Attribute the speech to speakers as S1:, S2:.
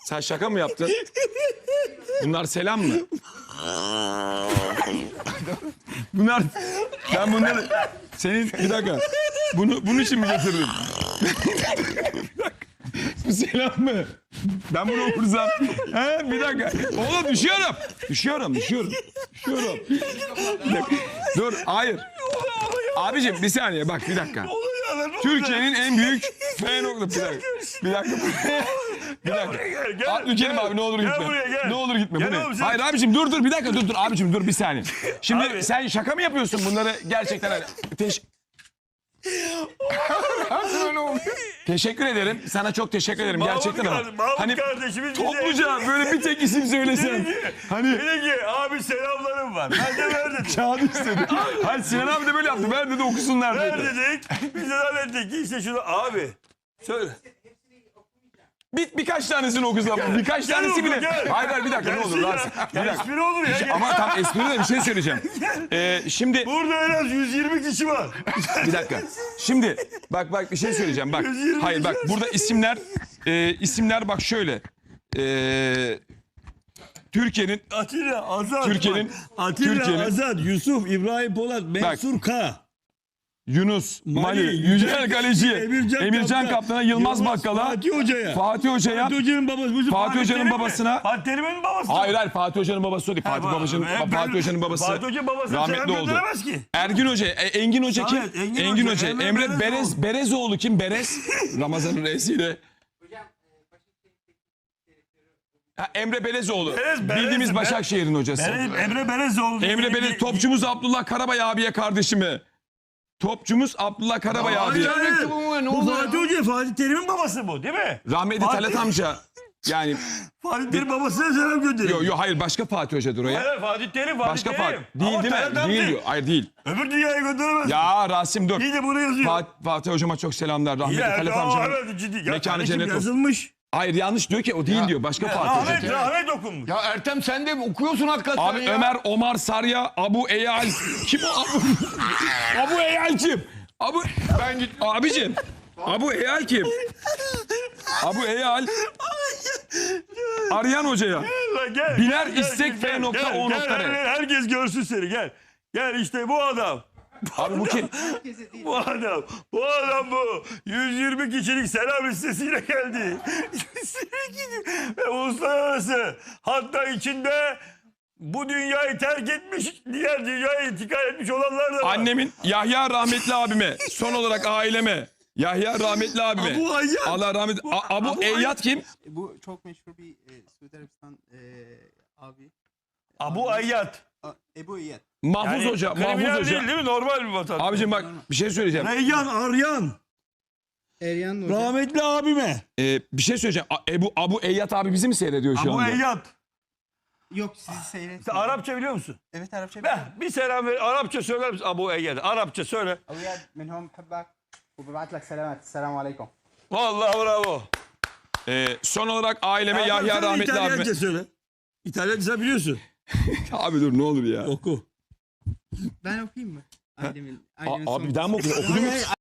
S1: Sen şaka mı yaptın? Bunlar selam mı? Bunlar... Ben bunları... Senin... Bir dakika. Bunun için mi getirdin? Bir dakika. Bu selam mı? Ben bunu okursam... He? Bir dakika. Oğlum düşüyorum. Düşüyorum. Bir dakika. Dur. Hayır. Abicim bir saniye bak bir dakika. Türkiye'nin en büyük F nokta. Bir dakika. Abdülkerim abi ne olur gitme. Ne olur gitme. Bu ne? Hayır abicim dur bir dakika dur abicim dur bir saniye. Şimdi abi, sen şaka mı yapıyorsun bunları gerçekten hani Teşekkür ederim. Sana çok teşekkür ederim gerçekten ama. Hani topluca böyle bir tek isim söylesen. Hani
S2: dedi ki abi selamlarım var. Ben de ver dedim.
S1: kağıdı istedi. Hayır Sinan abi de böyle yaptı. Ver dedi okusunlar dedi.
S2: Ver dedik. Biz de zannettik ki işte şunu abi. Söyle.
S1: Birkaç tanesini okusam. Birkaç tanesi bile. Hayır bir dakika ne olur Rasim. Bir dakika.
S2: Espri olur ya.
S1: Ama tam espri de bir şey söyleyeceğim. Şimdi
S2: Burada en az 120 kişi var.
S1: bir dakika. Şimdi bak bir şey söyleyeceğim bak. Hayır bak burada isimler bak şöyle. Türkiye'nin
S2: Atilla, Azat.
S1: Türkiye'nin
S2: Azat, Yusuf, İbrahim Polat, Mensur K.
S1: Yunus, Mali, Yücel Kaleci, Emircan Kaptan'a, Yılmaz Bakkal'a,
S2: Fatih Hoca'ya.
S1: Fatih Hoca'nın babası. Fatih Hoca'nın babasına.
S2: Fatih Terim'in babası.
S1: Hayır Fatih Hoca'nın babası o değil. Fatih Hoca'nın babası.
S2: Fatih Hoca babası
S1: rahmetli oldu.
S2: Ki.
S1: Ergin Hoca, Engin Hoca kim?
S2: Evet,
S1: Engin Hoca. Emre Berezoğlu kim? Berez. Ramazan'ın reisiyle. Emre Belezoğlu. Bildiğimiz Başakşehir'in hocası.
S2: Emre Belezoğlu.
S1: Emre Belez, topçumuz Abdullah Karabay abiye kardeşimi. Topçumuz Abdullah Karabay abi.
S2: Bu Fatih Hoca, Fatih Terim'in babası bu değil mi?
S1: Rahmetli Talat amca. Yani
S2: Fatih Terim babasına selam gönderiyor.
S1: Yok hayır başka Fatih Hocadır o ya.
S2: Hayır Fatih Terim.
S1: Başka Fatih. Değil değil mi? Değil diyor. Hayır değil.
S2: Öbür dünyaya gönderemez.
S1: Ya Rasim dur.
S2: İyi de bunu yazıyor.
S1: Fatih hocama çok selamlar. Rahmetli Talat amcanın mekanı cennet olsun.
S2: Yazılmış.
S1: Hayır yanlış diyor ki o değil diyor. Başka Fatih Hoca.
S2: Rahmet okunmuş.
S3: Ya Ertem sen de okuyorsun hakikaten
S1: Abi
S3: ya.
S1: Ömer Omar Sarya Abu Eyal. Kim o Abu? Abu Eyal kim? Abicim. Abu Eyal kim? Abu Eyal. Arayan hocaya. Biner istek f.o.r.
S2: Herkes görsün seni gel. Gel işte bu adam.
S1: Abi bu kim?
S2: Bu adam. Bu adam bu. 120 kişilik selam listesiyle geldi. 120 kişi. Ve uluslararası. Hatta içinde bu dünyayı terk etmiş, diğer dünyaya intikal etmiş olanlar da var.
S1: Annemin Yahya rahmetli abime. Son olarak aileme. Yahya rahmetli abime.
S2: Abu Ayyad.
S1: Allah rahmet. Abu Eyyad kim?
S4: Bu çok meşhur bir Suudi Arabistan abi.
S2: Abu Ayyad.
S4: Ebu İyyad.
S1: Mahfuz Hoca. Mahfuz
S2: kriminal
S1: Hoca.
S2: değil mi? Normal bir vatandaş.
S1: Abicim bak bir şey söyleyeceğim.
S2: Reyyan Aryan.
S4: Eryan Hoca.
S2: Rahmetli abime.
S1: Bir şey söyleyeceğim. Abu Eyyad abi bizi mi seyrediyor şu
S2: Abu
S1: anda?
S2: Eyyad.
S4: Yok sizi seyret.
S2: Sen Arapça biliyor musun?
S4: Evet Arapça.
S2: Bir selam ver. Arapça söyler misin Abu Eyyad? Arapça söyle.
S4: Ebu İyyad minhum habbak. وببعت لك سلامات. السلام عليكم.
S2: Vallahi bravo.
S1: Son olarak aileme Yahya rahmetli abime.
S2: İtalyanca söyle. İtalyanca biliyorsun.
S1: Abi dur ne olur ya.
S2: Oku.
S4: Ben okuyayım mı? Ailemin
S1: Abi bir daha mı okudun? Okudun mu?